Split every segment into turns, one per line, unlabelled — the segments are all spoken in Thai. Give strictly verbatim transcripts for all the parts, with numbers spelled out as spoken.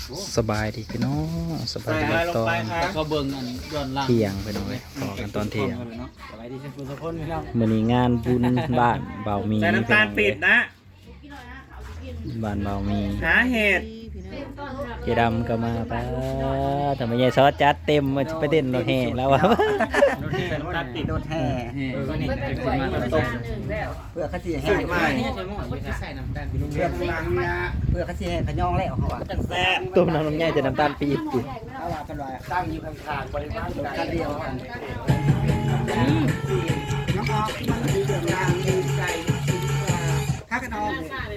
สบายดีพี่น้องสบายดีตอน
ก็เบิ่งอันย้อนหลัง
เที่ยงไปหน่อยพอกันตอนเที่ยง
สบายดีเช่นคุณทุกคนพี่น้อง
มื้อนี้งานบุญบ้านเบามี
ใส่น้ำตาลปิดนะ
บ้านเบามี
หาเห็ด
เจดำก็มาป้าทำไมยายซอสจัดเต็มมาไปเต้นรถแห่แล้ววะ
ใส่น้ำตาลปิด
โดนแห่
เออนี่จะขึ้นมาตบ
เพื่อเขาสิแห่
ใส่
ใส่น้ำตาลพี่น้อง
เพื่อเพื่อเขาสิแห่ขยองแล้วเขาว่า
แซ่บ
ตุ้มน้ำลงง่ายจะน้ำตาลปี๊บอยู่
เขาว่ากันว่าตั้งอยู่ข้างๆบริวารกันเดียวกันน้องออกมันดีเรื่องนางดีใจข้ากันออก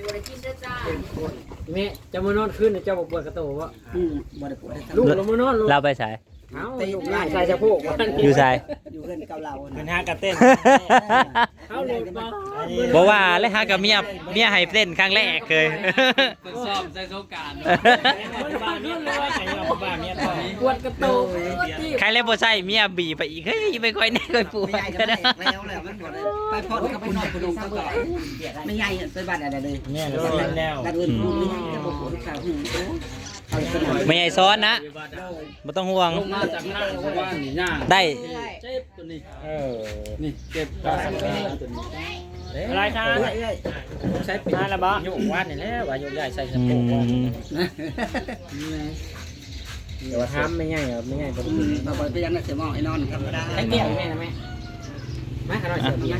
แม่จะมานอนคืนเจ้าบอกปวดกระโตวะ
อืมบ่ได้ปวด
ลูกลงมานอนลูก
เราไปใส่
เอ้าลูกง่ายใส่สะโพก
อยู่ใส่
อยู่เพื่อนเก่าเรา
เป็นห้ากระเต้น
เอ้าลูกบ่
บอกว่าเลยฮะกับเมียเมียให้เต้นครั้งแรกเคย
คนซ้อมใส่สงการ
บ้านนี้เลยว่าใส่ยาบ้านนี้ต่อ
ปวดกระโตว
ใครเล่นบ่ใช่เมียบีไปอีกเฮ้ยไม่ค่อยแน่ค่อยปวด
ไม่ใหญ่ก็ได้แล้วแล้วมันบ่ได้ไปพอดกับคุณนอนคุณลงก็ต่อไม่ใหญ่ไปบ้านอะไรเลย
เนี่ยเราเล่นแล้ว
กันอื่นพูดไม่จะบ่ปวดขาหูเอาสนาม
ไม่ใหญ่ซ้อนนะไม่ต้องห่วง
ลงมาจากห้างเพราะว่านี่ย่าง
ได้
เจ็บตัวนี้
เออ
นี่เจ็บตาตัวนี้
อะไรครับ
เอ้ยเอ้ย
ใช้ปิดอะไรบ้างโยกวาดนี่แหละว่าโยกใหญ่ใส่สะ
อื
โพก
ม
เดี๋ยวทำไม่ง่ายครับไม่ง่ายก็
อืมมาบ่ไปยังน่ะเสียมองไอ้นอนธรรมดา
ไอ้เกี่ยวแม่นะแม่มาขนาดเสียเบียร์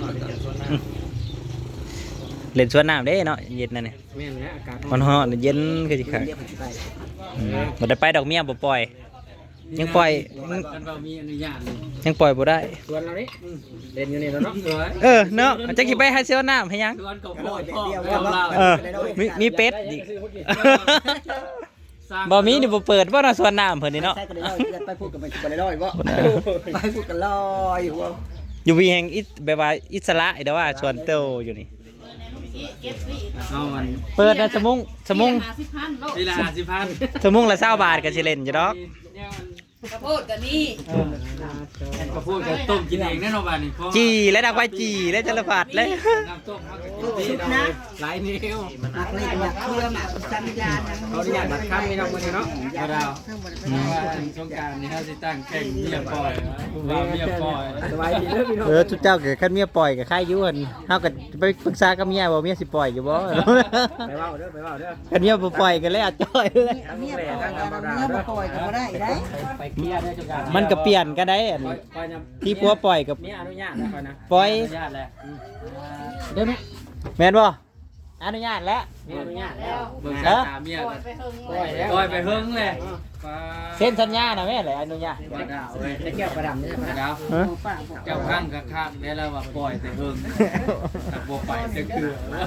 เล่นสวนน้ำเด้เนาะเย็นนั่นนี่
แม่นะอากาศ
มันฮ้อนเย็นคือสิคัก
เดี๋ยวผมสิไป
บ่ได้ไปดอกเมียบ่ปล่อย ยังปล่อย
กันเรามีอนุญาตเลย
ยังปล่อยบ่ได้
สวนเราดิเล่นอยู่นี่แล้วเนาะสวย
เออเนาะจักสิไปหาเสียวน้ำให้ยัง
สวนกับพ่อพ่อเรา
เออมีมีเป็ดอีกบ่มีนี่บ่เปิดบ่เนาะสวนน้ำเพิ่นนี่เนาะ
ใช่ก็ได้ลอยไปพูดกันไปบ่ได้ลอยบ่ไปพูดกันลอยหัว
อยู่วีแห่งอิสแบบว่าอิสระแต่ว่าสวนเตาอยู่นี่
เอามัน
เปิดนะสมุงสมุง
เวลาสิพัน
สมุงละ20บาทก็สิเล่นอยู่ดอก
กระโพดกันนี่
ก็พูดกันต้มกินเองแน่นอนบ้านนี่
จีและดักไว้จีและจรพัดเลย
น้ำต้มเขาก็ดีนะหลายนิ้ว
มักเล่นมักเครือมักสัญญาณ
เขาอนุญาตบัตรค้ำไม่ต้องมือเนาะเราว่าสงการนี่เขาสิตั้งแข่งเมียปล่อยว่าเมียปล่อยสบายดีเลยพี่น้อง
เออทุกเจ้าก็คันเมียปล่อยก็ค่ายอยู่หั่นเฮาก็ไปปรึกษากับเมียว่าเมียสิปล่อยอยู่บ่
ไปเว้าเด้อไปเว้าเด้อ
คันเมียบ่ปล่อยก็เลยอาจ้อยเลย
เมียปล่อยเมียบ่ปล่อยก็บ่ได้ได้
ไปเคลียร์ได้สงการ
มันก็เปลี่ยนกันได้อัน
ปล่อยปล่อยนะ
ที่ผัวปล่อยกับ
มีอนุญาตแล้วก่อนนะ
ปล่อย
อนุญาตแล้วเด้อแม่
แม่นบ่อนุญาตแล้ว
มีอนุญาตแล้วเบิ่งสายตาเมีย
ปล่อยไปเฮิง
ปล่อยแล้วปล่อยไปเฮิงเลย
เซ็นสัญญาน่ะแม่เลยอนุญาต
ว่าดาวเว้ย
จะเกี่ยวประดำนี่
ว่าดาว
ฮะ
เจ้าข้างกับข้างได้แล้วว่าปล่อยแต่เฮิงถ้าบ่ไปจะคือ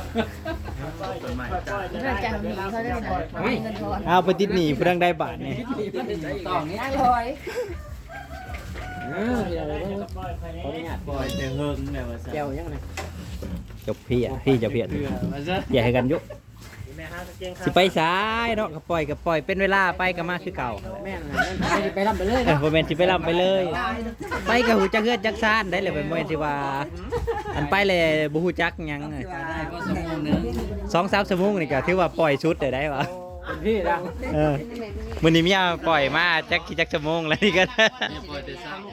เรื่องจังมีเขาได้ไม่เงินทอน
เอาไปติดหนี้ผู้ดังได้บาทนี่
ต่อนี้
อร่อย
เออขออนุญาตปล่อยแต่เฮิงเนี่ยว่าซั่น
เกี่ยวยังไง
จบพี่อ่ะพี่จะเพียด
เพื่อว่าซะ
อย่าให้กันยุสิไปซ้ายเนาะก็ปล่อยก็ปล่อยเป็นเวลาไปก็มาคือเก่า
แม่นเลยไปรับไปเลย
เออบ่แม่นสิไปลำไปเลย ไปก็ฮู้จักเฮือดจักซ่านได้เลยบ่แม่นสิว่า อันไปเลยบ่ฮู้จักหยัง
ได้ก็สมมุตินึง
สองสามชั่วโมงนี่ก็ถือว่าปล่อยชุดได้ได้วะ
เป็นพี่ดัง
เออมื้อนี้เมียปล่อยมาจักกี่จักชั่วโมงแล้วนี่ก็
เนี่ยปล่อยแต่ซ้ำ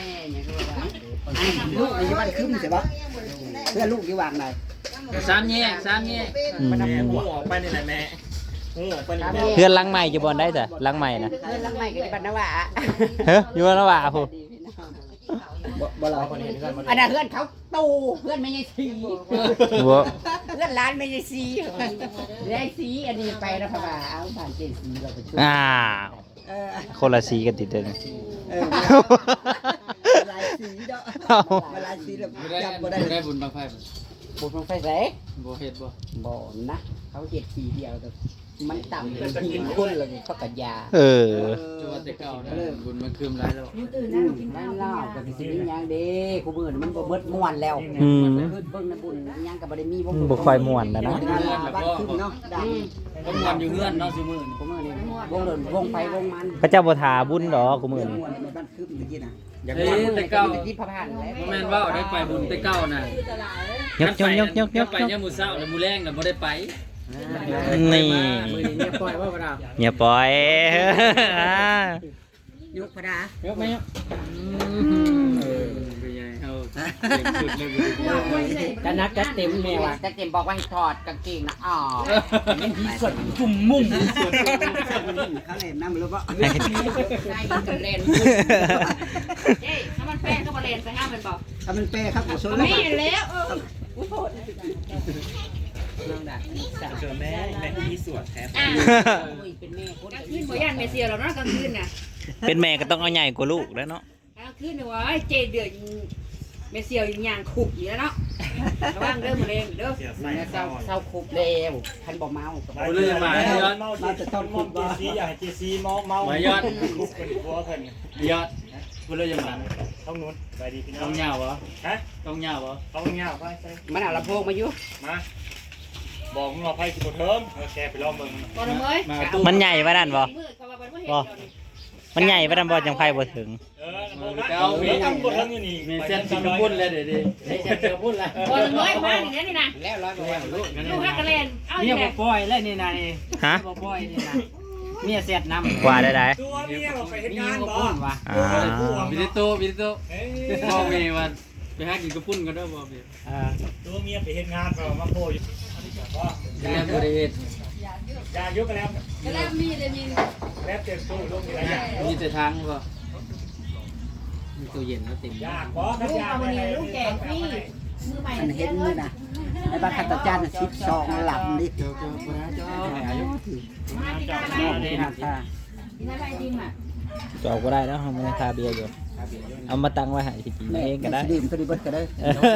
ลูกอยู่บ้านคึมใช่ปะเพื่อนลูกอยู่วางไหน
ซ้ำแยกซ้ำแยก
อืม
หูออกไปนี่แหละแม่หูออกไปนี่แม่
เพื่อนหลังใหม่จะบ่ได้จ้ะหลังใหม่นะ
เงินลังใหม่กับบัตรนวะ
เฮ้ยอยู่แล้วว่าพู
บ่เรา
อันนั้นเพื่อนเขาตูเพื่อนไม่ใช่สี
บ่
เพื่อนร้านไม่ใช่สีได้สีอันนี้ไปนะพ่อบ่าเอาผ่านเจสีเราไปช่วย
อ้าว
เออ
คนละสีกันติดเด้อ
เออลายสีเนาะลายสีแบบ
ไม่ได้
จำบ่ได้
ไม่ได้บุญบังไฟ
บุญของไฟแส
บ่เฮ็ดบ่
บ่นะเขาเจ็ดสีเดียวแต่มันต่ำเป็นทีมคนเลยเขากัยา
เออ
จังหวัดแต่เก่านะบุญมันคืมหลายแล้ว
นั่นเล่ากับสิมีหยังเด้กูมื้อนี้มันบ่เบิดม่วนแล้ว
อืม
เบิ่งในบุญหยังก็บ่ได้มีบ่
บ่ค่อยม่วนนะนะ
บ้านคึมเนาะดัง
ก็ม่วนอยู่เฮือนเนาะซุมื้อนี่
กูมื้อนี้วงเดินวงไฟวงมัน
พระเจ้าบ่ทาบุญดอกกูมื้อนี้
ม่วนในบ้านคึมตะกี้น่ะ
เฮ้ยแต่เก่า
ที่พระพันแล้ว
บ่แม่นว่าได้ไปบุญแต่เก่าน่ะ
ยกยกยกยกยก
ไปยามมื้อเช้าแล้วมื้อแลงน่ะบ่ได้ไป
นี่
มือนี้เนี่ยปล่อยว่าบ่ดาว
อย่าปล่อย
ยุกพระดา
เยอะไหมครับ
เออเป็นไงเอาเก่งสุดเลย
จะนักจะเต็มแม่ว่ะ
จะเต็มบอกว่าให้ถอดกางเกงนะอ๋อ
ยังมีส่วนจุ่มมุ่ง
เขาเล่นน้ำรู้ป่ะ
ได้กันเล่นเอ้ยถ้ามันแป้งก็มาเล่นไปห้ามมันบอก
ถ้ามันเป้ครับผมชนแล้ว
ไม่แล้วเออ
เจอแม่แม่ที่สวดแทบ
อ่ะเป็นแม่กลางคืนบ่ย่านแม่เสียหรอกเนาะกลางคืนน่ะ
เป็นแม่ก็ต้องเอาใหญ่กว่าลูกแล้วเนาะ
กลางคืนเนี่ยว่าเจเดือดแม่เสียวอย่างขุบอยู่แล้วเนาะระวังเด้อมะเร็งเด้อ
เศร้าเศร้าคุบแล้วคันบ่เมา
กูเลยมาให้ยอด
เราจะต้องคุมว่า
ซีอยากให้เจซีเมาเมาม
ายอด
คุบเป็นผัวเพิ่น
ยอดกูเลยมา
ต้องนู้นไปดีพี่น้
ต้
อ
อง งเหงาบ่
ฮะ
ต้องเหงาบ่
ต้องเงาไปใส่
มันเอาลำโพงมาอยู่
มาบอกมึงเอาไพ่สิบเทิมแกไปลองมึง
บ่ทำเอ้ย
มาตู้
มันใหญ่ปะนั่นบ่
มืดเขาว่าบ่เห็นเดี๋ยวนี้
มันใหญ่ปะนั่นบ่จังไฟบ่ถึง
เออลำโพงนะเอาเมียตั้งบทเทิมอยู่นี่
มีเส้นสิงคโปร์เลยเดี๋ยวดิ
เฮ้ยจะเจอพุ่นละ
บ่ทำเอ้ยมาอย่างนี้นี่นะ
แล้วร้อยกว่าลูกนั่น
ลูกฮักกะเลนเอา
เมี
อี
ย
ก
บ่
แล้ว
ปล่อยแล้วนี่นาย
ฮะ
บ่ปล่อยนี่นะเมียเสียดน้ำ
กว่าได้ได้
ตัวเมียเราไปเฮ็ดงานบ่พุ่นว่ะ
อ่า
วิดิโตวิดิโตพ่อเมย์วันไปหากินกระปุ้นกันด้วยบ่เพี่
อ่าตัวเมียไปเฮ็ดงานบ่มาโพอยู่
แล้วบริเวณ
ยายุกแล้ว
กะเลมีเลยมี
แล้วเต็มตู้ลูกมีอะไรอย่าง
มีแต่ทางบ่มีตู้เย็นแล้วเต็ม
ยากบ่
ลูกเอามานี่ลูกแกงพี่มือใหม่
มันเห็นมือนะในบ้านขัตจานสิบสองหลับดิ
เจ้าเจ้าพระเจ้าอายุ
มาที่ได้ไหม
มองดีนะค่ะ
ที่ได้ไหมจริงอ่ะ
จอกก็ได้แล้วมันคาเบียร์อยู่ เอามาตั้งไว้ให้สิกินเองก็ได้
ดื่มตัวนี้เบิดก็ได้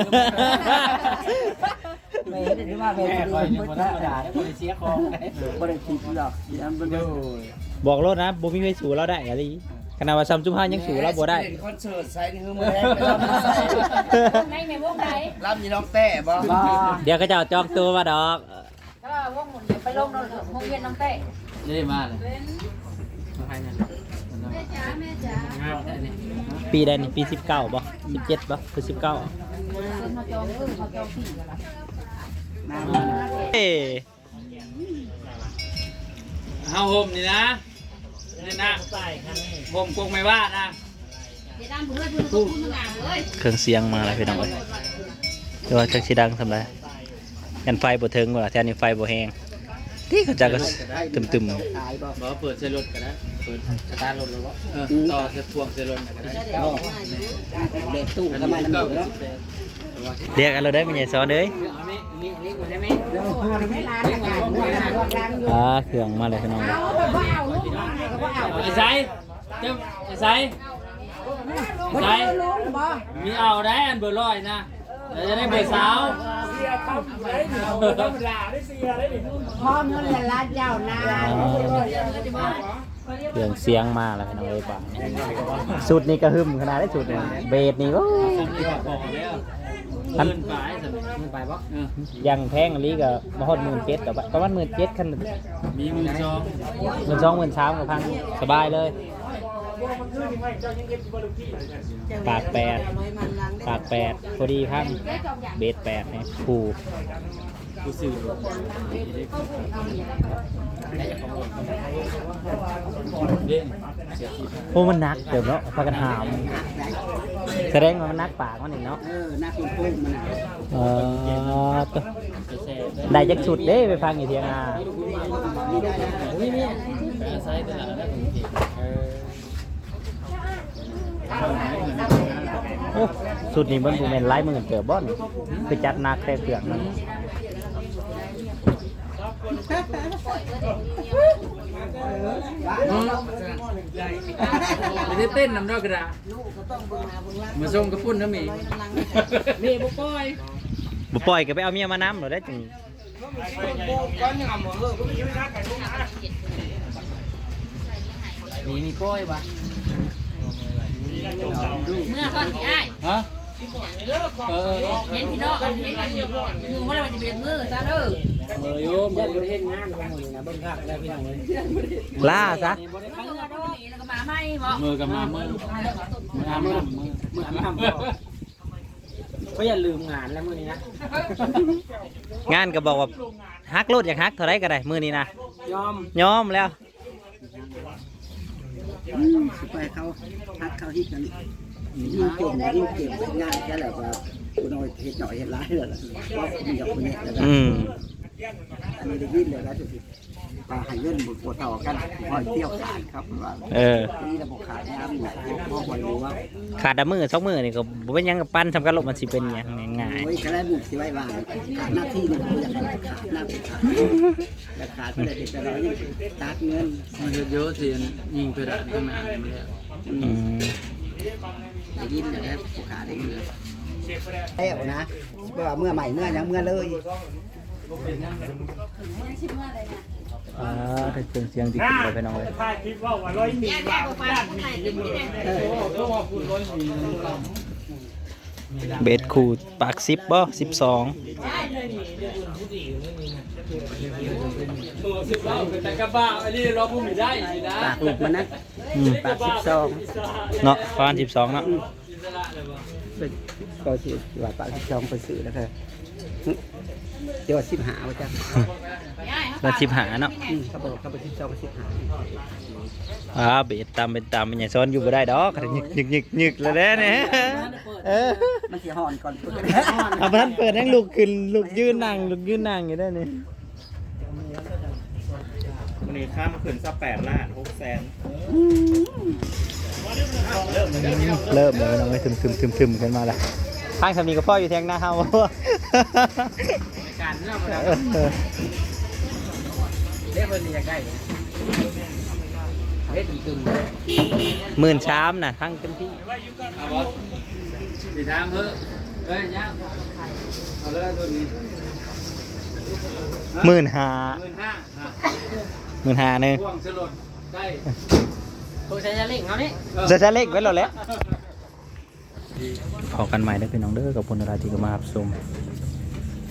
ไม่ได้ว่าเป็นดื่มเบิดก็ได้
เสียของ
บ่ได้คิดหรอกอันเบิด
บอกรถนะบ่มีไฟสูเราได้อะไรขนาดว่าซัมซุงห้ายังสูเราบ่ได้
คอนเสิร์ตใส่นี่คือมือแรกไปรับมาใส่
ในในวงไหน
รับยีน้องแต่บ่
เดี๋ยวก็จะเอาจองตัวมาดอก
ก็วงหมุนไปลงนนวงเวียนน้องเต้
นี่มาเลยมาให้นั่น
แม่จ๋าแม่จ๋า
งามได้นี่
ปีใดนี่ปีสิบเก้าบ่สิบเจ็ดบ่คือสิบเก้า
คนมาจองเออมาจองพี่กันละ
เอ้
เฮาห่มนี่นะนี่นะห่มกงไม่ว่านะ
เดี๋ยวด้านเพื่อนเพื่อนคุณมึงอ่านเลย
เครื่องเสียงมาแล้วพี่น้องเอ้ยแต่ว่าจักสิดังสำไรกันไฟบ่ถึงว่าแถวนี้ไฟบ่แห้งที่เขาจะก็ตึม
ขายบ่
บ่เปิดใส่รถก็ได้เปิดสตาร์ทรถแล้วบ่เออต่อใส่พวงใส่รถก็ได้
เด็กตู้ก็มานำอยู่แล้ว
ๆเรียกกันเราได้เป็นใหญ่ซ้อนเด้ย
อันนี้นี่นี่กูได้ไหม
แล้วพอไม่ร้านงานร้านอยู่
อ่าเครื่องมาเลยพี่น้อง
เอาแบบว่าเอาลูกมาก็ว่าเอา
ไอ้ไสเจ้าไอ้ไสไสมีเอาได้อันเบอร์ร้อยนะแล้วจะได้เบอร์สาว
เสียคำได้ดิธรรมดาได้เสียได้ดิ
พ่อเงินละล้านเจ้านา
เครื่องเสียงมาแล้วพี่น้องเอ้ยป่ะสุดนี่ก็หึมขนาดได้สุดนี่เบสนี่โอ้
ผมที่ว่าบอกแล้วเงินไปสำหรับเงินไปบ่เออ
ยังแพงอันนี้ก็มาฮอดหมื่นเจ็ดแต่ว่าประมาณหมื่นเจ็ดคัน
มีมือจอง
หมื่นสองหมื่นสามกับพันสบายเลยปากแปดปากแปดพอดีพันเบสแปดเนี่ยผู
กูซื้อเด้งเสียที
โอ้มันหนักเดี๋ยวเนาะพากันหามแสดงว่ามันหนักปากมันนี่เนาะ
เออหน้าคุณพุ่งมัน
เออตัว
จะแซ่
ได้จักสุดเด้ไปฟังอยู่เทียงนา
อุ้ยนี่แปลไซส์ตลาดแล้วผมเห็นเออ
โอ้สุดนี่มันบูเมนไล่มือเกิดบ่อนคือจัดหนักแต่เครื่องมัน
ไม่ได้เต้นนำดอกกระดาษมาส่งกระปุ้นนะมีมีบุปผอย
บ่ปล่อยก็ไปเอาเมียมาน้ำหรอได้จัง
มีมีป้อยปะ
เมื่อก่อนที่ไอ้
ฮะเออ
เห็นพี่น้องเห็นกันอยู่อยู่ว่ามันจะเป็นมือซะเด้อ
เออโยม
ยันประเทศงานของมึงนะเบิ่งคักแล้วพี่น้องเอ้ย
ล่าซะ
มือโดนนี่แล้วก็มาไม่บ่
มือกับมามือมืออาบน้ำมือ
มืออาบน้ำบ่
ก็อย่าลืมงานแล้วมื้อนี้นะ
งานก็บอกว่าฮักโลดอยากฮักเท่าไรก็ได้มื้อนี้นะ
ยอม
ยอมแล้ว
สิไปเขาพักเขาฮิตกันยิ่งเก่งยิ่งเก่งงานแค่แบบว่าคุณน้อยเฮ็ดหน่อยเฮ็ดร้ายเลยล่ะว่าคุณกับคุณเนี่ยแล้ว
อืม
อันนี้ได้ยินเลยนะจุดๆว่าให้เงินบุกปวดต่อกันคอยเที่ยวขาดครับว่า
เออ
นี่ระบบขาดน้ำเนี่ยพ่อคอยรู้ว่า
ขาดดมือสองมือนี่ก็บ่เป็นหยังกับปั้นทำกันลบมันสิเป็นหยังง่าย
โอ้ยก็ได้บุกสิไว้วางขาดหน้าที่นี่ผมอยากให้ขาดหน้าที่ขาดแต่ขาดไปเลยเด็กแต่เรานี่ตัดเงิน
มันเยอะๆสิยิงเพดานข้างหน้านี่มันแล้ว
ๆอืม
ได้ยินเลยนะผู้ขาได้ยินเลยแล้วนะเมื่อเมื่อใหม่เมื่อยังเมื่อเลย
อ่าถ้าเครื่องเสียงที่ขึ้นไปไปน้องเลย
ถ่ายคลิปว่าว่าร้อยหมีว่าด้านหมีอยู่เลย
โอ้ก็ว่าคุณร้อยหมี
เบสคูดปากสิบบ่สิบสอง
ตัวสิบเล่าเป็นแต่กระบะอันนี้เราพูดไม่ได้สินะ
ปากหลุดมันนะ
อืม
ปากสิบสอง
เนาะประมาณสิบสองเนาะ
อิสระเลยบ่
เป็นก็สิว่าปากสิบสองไปซื้อแล้วค่ะเดี๋ยวสิบหาว่าจ้ะ
มาสิบหาเนาะ
อืมเขาบอกเขาไปสิบสองไปสิบหา
อ่าเบสตามเป็นตามเป็นอย่างซ้อนอยู่บ่ได้ดอกยึกยึกยึกยึกแล้วเด้เนี่ยเออ
มันสิห่อนก่อนเปิด
เอาพันเปิดให้ลูกขึ้นลูกยืนนั่งลูกยืนนั่งอยู่ได้นี่
วันนี้ข้ามขึ้นสักแปดล้านหกแสน
เริ่มเลยน้องไปทึมทึมทึมทึมกันมาแล้วทางสามีกับพ่ออยู่แทงหน้าเฮา
การเนาะบ่ได้
เออ
เรียกเพิ่นอยากได้เฮ็ดอีกตึม
หมื่นชามน่ะทั้งเต็มที่
เอาบ่สิถามเพิ่นเอ้ยยะเอาเลยตัวนี้
หมื่นห้า
หมื่นห้าอ่ะ
หมื่นห้าหนึ่ง
พ่วงสลดได้
ตัวใช้จะเล่งเขานี่
จะจะเล็กไว้แล้วแหละพอกันใหม่ได้อพี่น้องเด้อกับพลนราธิกมาครับชม